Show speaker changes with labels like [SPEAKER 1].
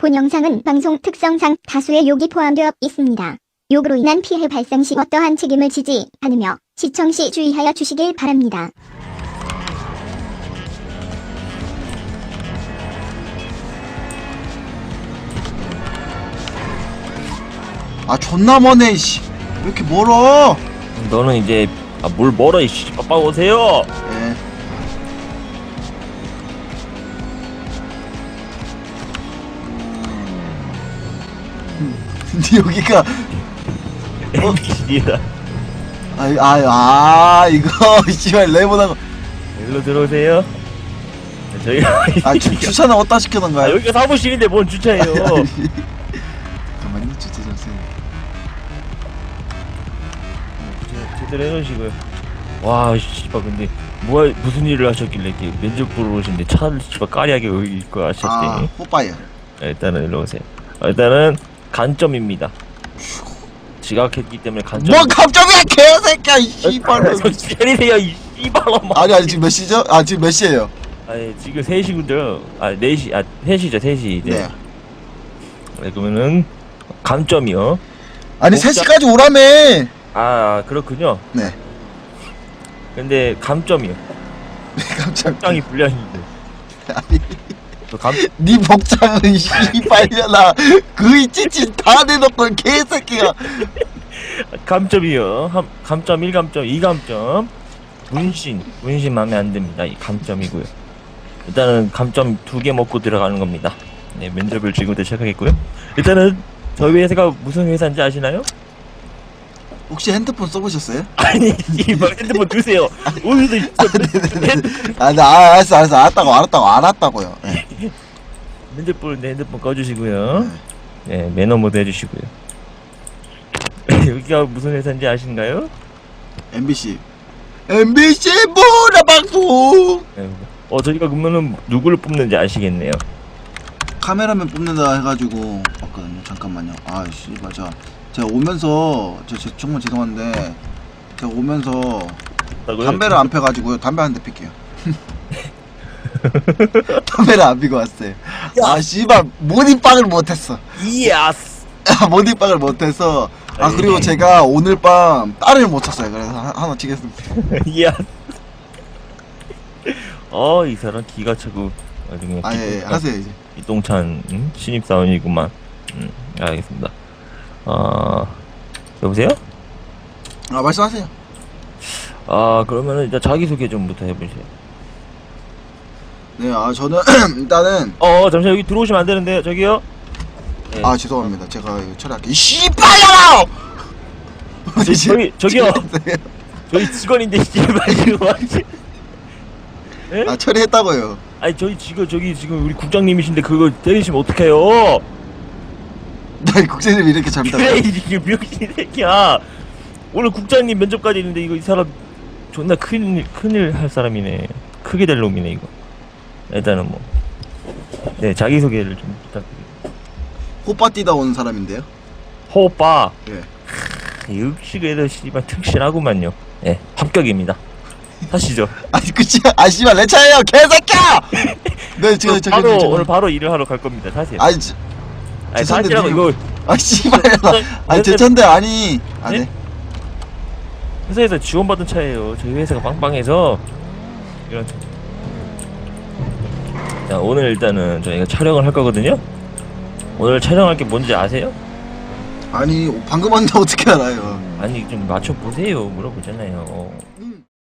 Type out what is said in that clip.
[SPEAKER 1] 본 영상은 방송 특성상 다수의 욕이 포함되어 있습니다. 욕으로 인한 피해 발생 시 어떠한 책임을 지지 않으며 시청 시 주의하여 주시길 바랍니다.
[SPEAKER 2] 아 존나 머네 씨. 왜 이렇게 멀어?
[SPEAKER 3] 너는 이제 뭘 멀어 이씨 빠빠 오세요.
[SPEAKER 2] 예. 근데 여기가
[SPEAKER 3] 미친이다.
[SPEAKER 2] 이거 씨발 레몬하고
[SPEAKER 3] 일로 들어오세요. 저희가
[SPEAKER 2] 주차는 어디다 시켜놓은가요?
[SPEAKER 3] 여기가 사무실인데 뭔 주차예요.
[SPEAKER 2] 잠깐만요, 주차 잠시만요.
[SPEAKER 3] 제대로 해놓으시고요. 와 씨발 근데 무슨 일을 하셨길래 이렇게 면접 보러 오신데 차를 씨발 까리하게 여기 있고 하셨대.
[SPEAKER 2] 뽀빠이야.
[SPEAKER 3] 일단은 일로 오세요. 일단은 간점입니다. 지각했기 때문에 간점.
[SPEAKER 2] 뭐 감점이야 개새끼야 이 씨발로.
[SPEAKER 3] 정신 차리세요 이 씨발놈아.
[SPEAKER 2] 아니 지금 몇 시죠? 지금 몇 시에요?
[SPEAKER 3] 아니 지금 3시군요. 4시 3시죠 3시 이제.
[SPEAKER 2] 네.
[SPEAKER 3] 네, 그러면은 감점이요.
[SPEAKER 2] 아니 3시까지 오라며.
[SPEAKER 3] 그렇군요.
[SPEAKER 2] 네.
[SPEAKER 3] 근데 감점이요.
[SPEAKER 2] 감점.
[SPEAKER 3] 복장이 불량인데.
[SPEAKER 2] 아니
[SPEAKER 3] 또 감
[SPEAKER 2] 네 복장은 씨발려나 그이 찌찌 다 내놓고 개새끼가.
[SPEAKER 3] 감점이요. 감점 1감점 2감점. 문신 마음에 안 듭니다. 이 감점이고요. 일단은 감점 2개 먹고 들어가는 겁니다. 네, 면접을 지금부터 시작하겠고요. 일단은 저희 회사가 무슨 회사인지 아시나요?
[SPEAKER 2] 혹시 핸드폰 써보셨어요?
[SPEAKER 3] 아니, 이발 핸드폰 두세요. 오늘도
[SPEAKER 2] 알았다고요. 네.
[SPEAKER 3] 면접 보는데 핸드폰 꺼주시고요. 네, 매너 모드 해주시고요. 여기가 무슨 회사인지 아신가요?
[SPEAKER 2] MBC 문화방송.
[SPEAKER 3] 네, 저희가 그러면은 누구를 뽑는지 아시겠네요.
[SPEAKER 2] 카메라맨 뽑는다 해가지고 봤거든요. 잠깐만요. 씨발 제가 오면서 정말 죄송한데 제가 오면서 담배를 안 펴가지고요. 담배 한 대 필게요. 담배를 안 피고 왔어요. 씨발 모닝빵을 못했어.
[SPEAKER 3] 이야스.
[SPEAKER 2] 모닝빵을 못해서 그리고 제가 오늘 밤 딸을 못 쳤어요. 그래서 하나 치겠습니다.
[SPEAKER 3] 이야스. 이 사람 기가 차고 그냥
[SPEAKER 2] 예, 하세요 이제.
[SPEAKER 3] 이똥찬 신입사원이구만. 알겠습니다. 여보세요?
[SPEAKER 2] 말씀하세요.
[SPEAKER 3] 그러면은 일단 자기소개 좀부터 해보세요.
[SPEAKER 2] 네, 저는 일단은
[SPEAKER 3] 잠시만 여기 들어오시면 안 되는데요, 저기요. 네.
[SPEAKER 2] 죄송합니다. 제가 이거 처리할게요. 씨발려라!
[SPEAKER 3] 저기요. 저희 직원인데 씨발 지금 완전. 네?
[SPEAKER 2] 처리했다고요.
[SPEAKER 3] 아니 저희 지금 우리 국장님이신데 그거 때리시면 어떡해요?
[SPEAKER 2] 나 국장님 이렇게 잘못하고.
[SPEAKER 3] 그래 이게 병신 새끼야. 오늘 국장님 면접까지 있는데 이 사람 존나 큰일 할 사람이네. 크게 될 놈이네 이거. 일단은 네 자기소개를 좀 부탁드립니다.
[SPEAKER 2] 호빠 뛰다 온 사람인데요.
[SPEAKER 3] 호빠.
[SPEAKER 2] 예.
[SPEAKER 3] 역시 그래도 씨발 특실하구만요. 예, 합격입니다. 하시죠.
[SPEAKER 2] 그치? 씨발 내 차예요 개새끼야! 네
[SPEAKER 3] 오늘 바로 일을 하러 갈 겁니다. 사세요.
[SPEAKER 2] 죄송한데
[SPEAKER 3] 이거.
[SPEAKER 2] 씨발 제 차인데 네?
[SPEAKER 3] 회사에서 지원받은 차예요. 저희 회사가 빵빵해서 이런. 자, 오늘 일단은 저희가 촬영을 할 거거든요. 오늘 촬영할 게 뭔지 아세요?
[SPEAKER 2] 방금 왔는데 어떻게 알아요?
[SPEAKER 3] 아니 좀 맞춰 보세요. 물어보잖아요.